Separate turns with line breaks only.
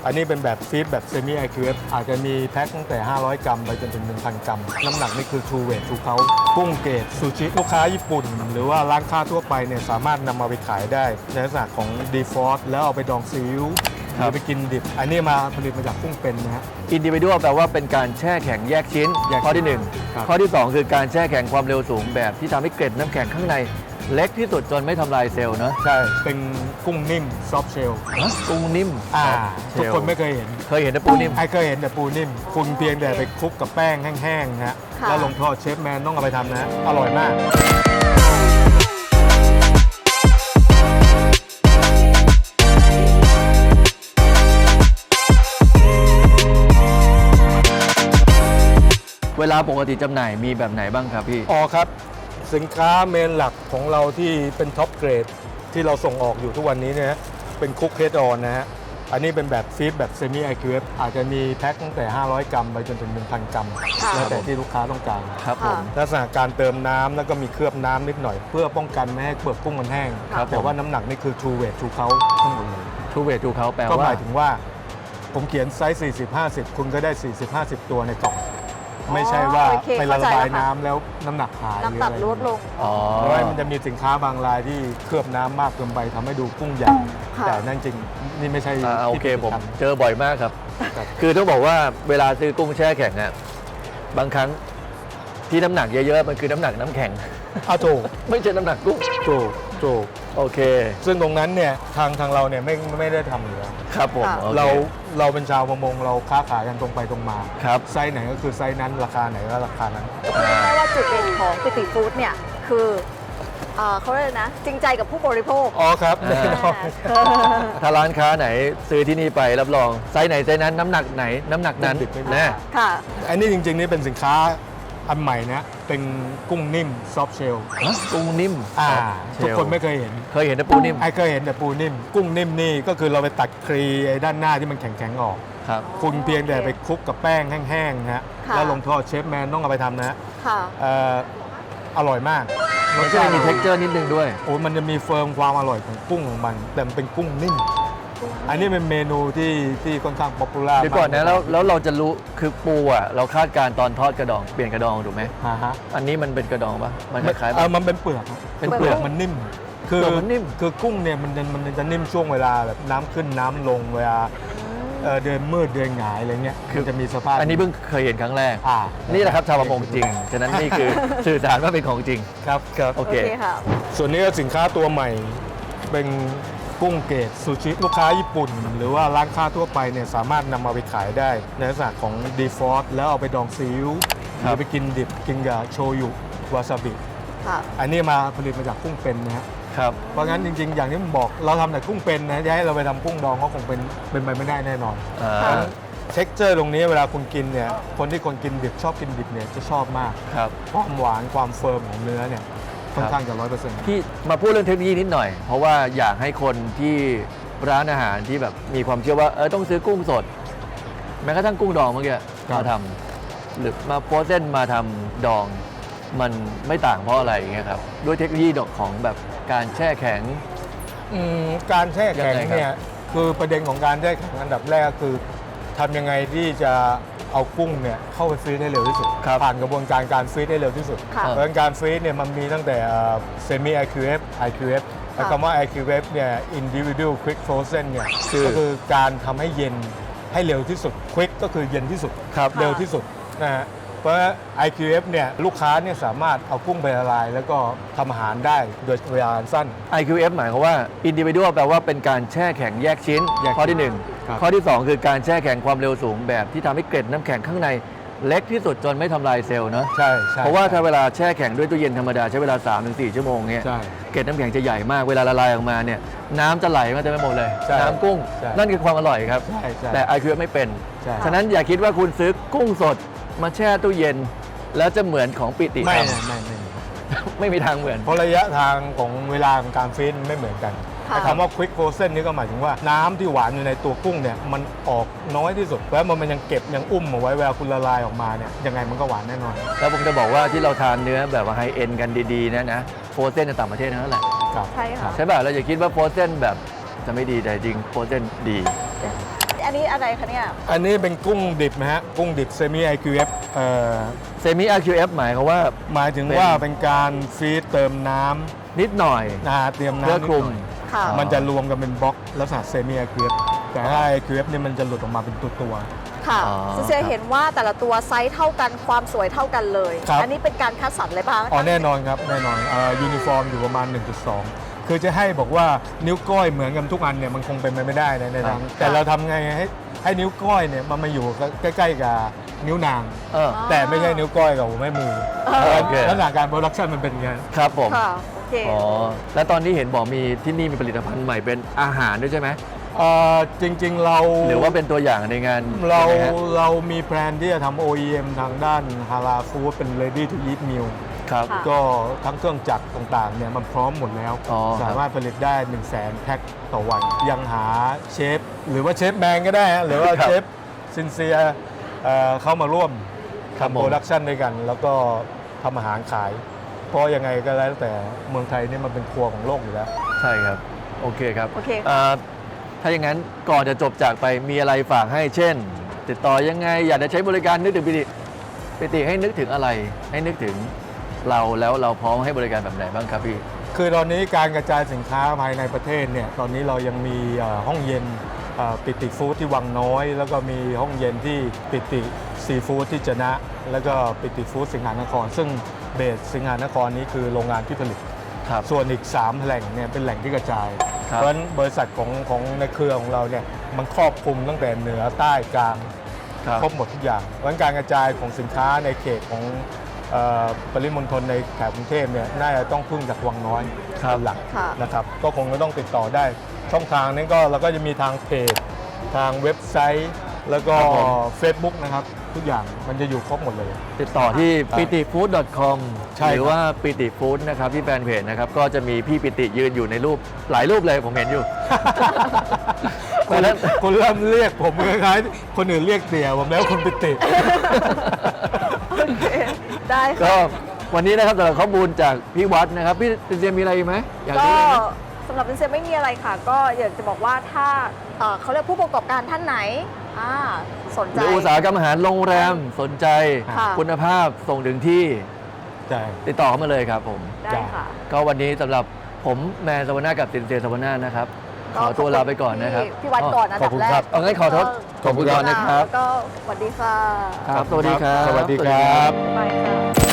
อันนี้เป็นแบบฟีดแบบเซมิไอคิวเอฟอาจจะมีแพ็คตั้งแต่500 กรัมไปจนถึง 1,000 กรัมน้ำหนักนี่คือ True Weight เขากุ้งเกรดซูชิลูกค้าญี่ปุ่น หรือว่าร้านค้าทั่วไปเนี่ยสามารถนำมาไปขายได้ในลักษณะของดีฟอสแล้วเอาไปดองซีอิ๊วหรือไปกินดิบอันนี้มาผลิตมาจากกุ้งเป็นนะฮะ
individual แปลว่าเป็นการแช่แข็งแยกชิ้น
แยกชิ้น
ข้อที่
ครับ
1 ข้อที่ 2 คือการแช่แข็งความเร็วสูงแบบที่ทำให้เกล็ดน้ำแข็งข้างในเล็กที่สุดจนไม่ทำลายเซลล์เนอะ
ใช่เป็นกุ้งนิ่มซอฟเชล
กุ้งนิ่ม
ทุกคนไม่เคยเห็น
เคยเห็นแต่ปูนิ่ม
ไอ้เคยเห็นแต่ปูนิ่มคุณเพียงแต่ไปคลุกกับแป้งแห้งๆนะฮะ
ค่ะ
แล้วลงทอดเชฟแมนต้องเอาไปทำนะฮะอร่อยมาก
เวลาปกติจำหน่ายมีแบบไหนบ้างครับพี่
อ๋อครับ สินค้าเมนหลักของเราที่เป็นท็อปเกรดที่เราส่งออกอยู่ทุกวันนี้เนี่ยเป็นคุกเฮดออนนะฮะอันนี้เป็นแบบฟีดแบบเซมิไอคิวเอฟอาจจะมีแพ็คตั้งแต่500 กรัมไปจนถึง 1,000 กรัม
ค่ะ
แล้วแต่ที่ลูกค้าต้องการ
ครับผม
ลักษณะการเติมน้ำแล้วก็มีเคลือบน้ำนิดหน่อย เพื่อป้องกันไม่ให้เปลือกกุ้งมันแห้ง
ครับ
แต่ว่าน้ำหนักนี่คือ True Weight เขาทั้งหมดเลย
ทูเวทูเขาแปล
ก็ห
ว่า
มายถึงว่าผมเขียนไซส์ 40-50 คุณก็ได้ 40-50 ตัวในกล่อง ไม่ใช่ว่า
โอเค
ไปละ
เข้าใจ
ลาย
แล้วค่ะ
น้ำแล้วน้ำหนักหายหรือ
น้ำหนั
อะ
ก
ไร
ลดลง
อ๋อ
เพราะว่ามันจะมีสินค้าบางรายที่เคลือบน้ำมากเกินไปทำให้ดูกุ้งใหญ่
ค่ะ
แต่นั่นจริงนี่ไม่ใช่
โอเค
ที่
ผม
ทำ
เจอบ่อยมากครับ
ครับ
คือต้องบอกว่าเวลาซื้อกุ้งแช่แข็งอะบางครั้งที่น้ำหนักเยอะๆมันคือน้ำหนักน้ำแข็ง
ถูก
ไม่ใช่น้ำหนักกุ้ง
ถูก
โอเค
ซึ่งตรงนั้นเนี่ยทางเราเนี่ยไม่ได้ทำอยู่แล้ว
ครับผม
ค่ะ
โอค
เราเป็นชาวประมงเราค้าขายกันตรงไปตรงมา
ครับ
ไซส์ไหนก็คือไซส์นั้นราคาไหนก็ราคานั้น
คือง่ายๆว่าจุดเด่นของปิติฟู้ดเนี่ยคือเขาเรียกอะไรนะจริงใจกับผู้บริโภค
อ๋อครับ
อ่า
แน่นอน
ถ้าร้านค้าไหนซื้อที่นี่ไปรับรองไซส์ไหนไซส์นั้นน้ำหนักไหนน้ำหนักนั้น
ดิบๆไม่มี
แน่
ค่ะ
อันนี้จริงๆนี่เป็นสินค้าอันใหม่นะเป็นกุ้งนิ่มซอฟเชล
กุ้งนิ่ม
ทุกคนไม่เคยเห็น
เคยเห็นแต่ปูนิ่ม
ไอ้เคยเห็นแต่ปูนิ่ม กุ้งนิ่มนี่ก็คือเราไปตัดครีไอ้ด้านหน้าที่มันแข็งๆออก
ครับ
คุณเพียงแต่ไปคลุกกับแป้งแห้งๆนะฮะ
ค่ะ
แล้วลงทอดเชฟแมนต้องเอาไปทำนะฮะ
ค่ะ
อร่อยมาก
มันก็จะมี texture นิดนึงด้วย
โอ้มันจะมีเฟิร์มความอร่อยของกุ้งของมัน แต่มันเป็นกุ้งนิ่ม อันนี้เป็นเมนูที่ค่อนข้างป๊อปปูล่า
เดี๋ยวก่อนนะแล้วเราจะรู้คือปูอ่ะเราคาดการณ์ตอนทอดกระดองเปลี่ยนกระดองถูกไหม
ฮะ
อันนี้มันเป็นกระดองปะมันคล้ายๆปะ
มันเป็นเปลือกครับ
เป็นเปลือก
มันนิ่ม
เปลือกมันนิ่ม
คือกุ้งเนี่ยมันจะนิ่มช่วงเวลาแบบน้ำขึ้นน้ำลงเวลาเดินมืดเดินหงายอะไรเงี้ยคือจะมีสภาพ
อันนี้เพิ่งเคยเห็นครั้งแรก
อ่า
นี่แหละครับชาวประมงจริง ฉะนั้นนี่คือ สื่อสารว่าเป็นของจริง
ครับครับ
โอ
โอ
เค
เคค่ะ
ส่วนนี้ก็สินค้าตัวใหม่เป็นกุ้งเกรดซูชิลูกค้าญี่ปุ่น หรือว่าร้านค้าทั่วไปเนี่ยสามารถนำมาไปขายได้ในลักษณะของดีฟอสแล้วเอาไปดองซีอิ๊วห
ครั
รื
บ
อไปกินดิบกินกับโชยุวาซาบิ
ค่ะ
อันนี้มาผลิตมาจากกุ้งเป็นนะฮะ
ครับ
เพราะงั้นจริงๆ อย่างที่ผมบอกเราทำแต่กุ้งเป็นนะจะให้เราไปทำกุ้งดองก็คงเป็นไปไม่ได้แน่นอน
ค่ะ
เท็กเจอร์ตรงนี้เวลาคุณกินเนี่ยคนที่คนกินดิบชอบกินดิบเนี่ยจะชอบมาก
ครับ
ความหวานความเฟิร์มของเนื้อเนี่ยค่อนข้างจะ100%
ที่มาพูดเรื่องเทคโนโลยีนิดหน่อย เพราะว่าอยากให้คนที่ร้านอาหารที่แบบมีความเชื่อว่าต้องซื้อกุ้งสด แม้กระทั่งกุ้งดองเมื่อกี้
ครับ
มาทำหรือมาโพสเส้นมาทำดอง มันไม่ต่างเพราะอะไรอย่างเงี้ยครับด้วยเทคโนโลยีดอกของแบบการแช่แข็ง
การแช่แข็ง
ยังไงครับ
เนี่ยคือประเด็นของการแช่แข็งอันดับแรกก็คือทำยังไงที่จะเอากุ้งเนี่ยเข้าไปฟรีซได้เร็วที่สุด ผ่านกระบวนการการฟรีซได้เร็วที่สุด
ค่ะ
เพราะฉะนั้นการฟรีซเนี่ยมันมีตั้งแต่เซมิไอคิวเอฟไอคิวเอฟแต่คำว่า IQF เนี่ย individual quick frozen เนี่ยก็คือการทำให้เย็นให้เร็วที่สุด quick ก็คือเย็นที่สุด
ครับ
เร็วที่สุดนะฮะเพราะ IQF เนี่ยลูกค้าเนี่ยสามารถเอากุ้งไปละลาย แล้วก็ทำอาหารได้โดยเวลาสั้น
IQF หมายความว่า individual แปลว่าเป็นการแช่แข็งแยกชิ้น
แยกชิ้น
ข้อที่
ครับ
1 ข้อที่ 2 คือการแช่แข็งความเร็วสูงแบบที่ทำให้เกล็ดน้ำแข็งข้างในเล็กที่สุดจนไม่ทำลายเซลล์เนอะ
ใช่ใช่
เพราะว่าถ้าเวลาแช่แข็งด้วยตู้เย็นธรรมดาใช้เวลา 3-4 ชั่วโมงเงี้ย
ใช่
เกล็ดน้ำแข็งจะใหญ่มากเวลาละลายออกมาเนี่ยน้ำจะไหลมาเต็มไปหมดเลย
ใช่
น้ำกุ้ง
ใช่
นั่นคือความอร่อยครับ
ใช่ใช่
แต่ IQF ไม่เป็น
ใช่
ฉะนั้นอย่าคิดว่าคุณซื้อกุ้งสดมาแช่ตู้เย็น แล้วจะเหมือนของปิติ
ไม่
ท
ไม่
ำ ไม่มีทางเหมือน
เพราะระยะทางของเวลาของการฟรีซมันไม่เหมือนกัน
ค่ะ
ไอ้คำว่า quick frozen นี่ก็หมายถึงว่าน้ำที่หวานอยู่ในตัวกุ้งเนี่ยมันออกน้อยที่สุดแล้วมันยังเก็บยังอุ้มเอาไว้เวลาคุณละลายออกมาเนี่ยยังไงมันก็หวานแน่นอน
แล้วผมจะบอกว่าที่เราทานเนื้อแบบว่าไฮเอ็นกันดีๆนะโฟรเซนในต่างประเทศนั่นแหละ
ครับ
ใช่ค่ะ
ใช่ป่ะเราอย่าคิดว่าโฟรเซนแบบจะไม่ดีแต่จริงโฟรเซนดี
อันนี้อะไรคะเนี่ย
อันนี้เป็นกุ้งดิบนะฮะกุ้งดิบเซมิ IQF
เซมิ RQF หมายความว่า
หมายถึงว่าเป็นการฟีดเติมน้ำ
นิดหน่อย
เตรียม
เพื่อ
น้ำ
คลุม
นิดหน่อย
ค่ะ
มันจะรวมกันเป็นบล็อกลักษณะเซมิ IQF แต่ถ้า IQF เนี่ยมันจะหลุดออกมาเป็นตัว
ค่ะ
อ๋อ
ซิเซียเห็นว่าแต่ละตัวไซส์เท่ากันความสวยเท่ากันเลย
ครับ
อันนี้เป็นการคัดสรรเลยป่ะ
อ๋อแน่นอนครับแน่นอนยูนิฟอร์มอยู่ประมาณ 1.2 คือจะให้บอกว่านิ้วก้อยเหมือนกันทุกอันเนี่ยมันคงเป็นไปไม่ได้นะในทางแต่เราทำไงให้นิ้วก้อยเนี่ยมันมาอยู่ใกล้ๆกับนิ้วนาง
เออ
แต่ไม่ใช่นิ้วก้อยกับหัวแม่มือ
โอเค
ลักษณะการโปรดักชันมันเป็นอย่างนั้น
ครับผม
ค่ะโอเค
อ๋อ แล้วตอนนี้เห็นบอกมีที่นี่มีผลิตภัณฑ์ใหม่เป็นอาหารด้วยใช่ไหม
จริงๆเรา
หรือว่าเป็นตัวอย่างในงาน
เรา
ใช่ไหมฮะ
เรามีแพลนที่จะทำ OEM ทางด้านฮาลาฟู้ดเป็น ready to eat meal
ครับ
ค่ะ
ก็ทั้งเครื่องจักรต่างๆเนี่ยมันพร้อมหมดแล้ว
อ๋อครับ
สามารถผลิตได้ 100,000 แพ็คต่อวัน ยังหาเชฟ หรือว่าเชฟแมนก็ได้ฮะหรือว่าเชฟซินเซียเข้ามาร่วม
ครับ
ทำ
ผ
โป
ม
รดักชันด้วยกัน แล้วก็ทำอาหารขาย เพราะยังไงก็แล้วแต่เมืองไทยนี่มันเป็นครัวของโลกอยู่แล้ว
ใช่ครับ โอเคครับ
โอเค
ถ้าอย่างนั้นก่อนจะจบจากไปมีอะไรฝากให้เช่น ติดต่อยังไง อยากจะใช้บริการนึกถึงปิติให้นึกถึงอะไร ให้นึกถึงเราแล้วเราพร้อมให้บริการแบบไหนบ้างครับพี่
คือตอนนี้การกระจายสินค้าภายในประเทศเนี่ยตอนนี้เรายังมีห้องเย็นปิติฟู้ดที่วังน้อย แล้วก็มีห้องเย็นที่ปิติซีฟู้ดที่จะนะ แล้วก็ปิติฟู้ดสิงหานคร ซึ่งเบสสิงหานครนี้คือโรงงานที่ผลิต
ครับ
ส่วนอีก 3 แหล่งเนี่ยเป็นแหล่งที่กระจาย
ครับ
เพราะฉะนั้นบริษัทของในเครือของเราเนี่ยมันครอบคลุมตั้งแต่เหนือใต้กลาง
ครับ
ครบหมดทุกอย่างเพราะฉะนั้นการกระจายของสินค้าในเขตของปริมณฑลในแถบกรุงเทพเนี่ยน่าจะต้องพึ่งจากวังน้อย
ครับ
เป็นหลัก
ค่ะ
นะครับก็คงจะต้องติดต่อได้ ช่องทางนั้นก็เราก็จะมีทางเพจทางเว็บไซต์ แล้วก็
ครับผม
Facebook นะครับ ทุกอย่างมันจะอยู่ครบหมดเลย
ติดต่อที่ pitifood.com
ใช่ครับ
หรือว่าปิติฟู้ดนะครับที่แฟนเพจนะครับ ก็จะมีพี่ปิติยืนอยู่ในรูปหลายรูปเลยผมเห็นอยู่
คุณเริ่มเรียกผมคล้ายๆคนอื่นเรียกเตี่ยผมแล้วคุณปิติ
โอเค ได้
ก็
ค่ะ
วันนี้นะครับสำหรับข้อมูลจากพี่วัดนะครับ พี่เจมส์มีอะไรอีกไหมอยาก
ก็
รู้เลยไหม
สำหรับซิเซียไม่มีอะไรค่ะ ก็อยากจะบอกว่าถ้าเขาเรียกผู้ประกอบการท่านไหนสน
ห
ใจ
รืออุตสาหกรรมอาหารโรงแรมสนใจ
ค่ะ
คุณภาพส่งถึงที่
ใช่
ติดต่อเข้ามาเลยครับผม
ได้ค่ะ
ก็วันนี้สำหรับผมแมนสวนากับสินเจสวนานะครับ ขอตัวลาไปก่อนนะครับ
พี่วัดก่อนนะ
ขอบคุณ
ดัแร
ครั
ก
บ
เอางั้นขอโทษขอบคุณก่อนนะครับ
แล้วก็สวัสดีค่ะ
ครับสวัสดีครับ
สวัสดีครับ
บ๊ายบายค่ะ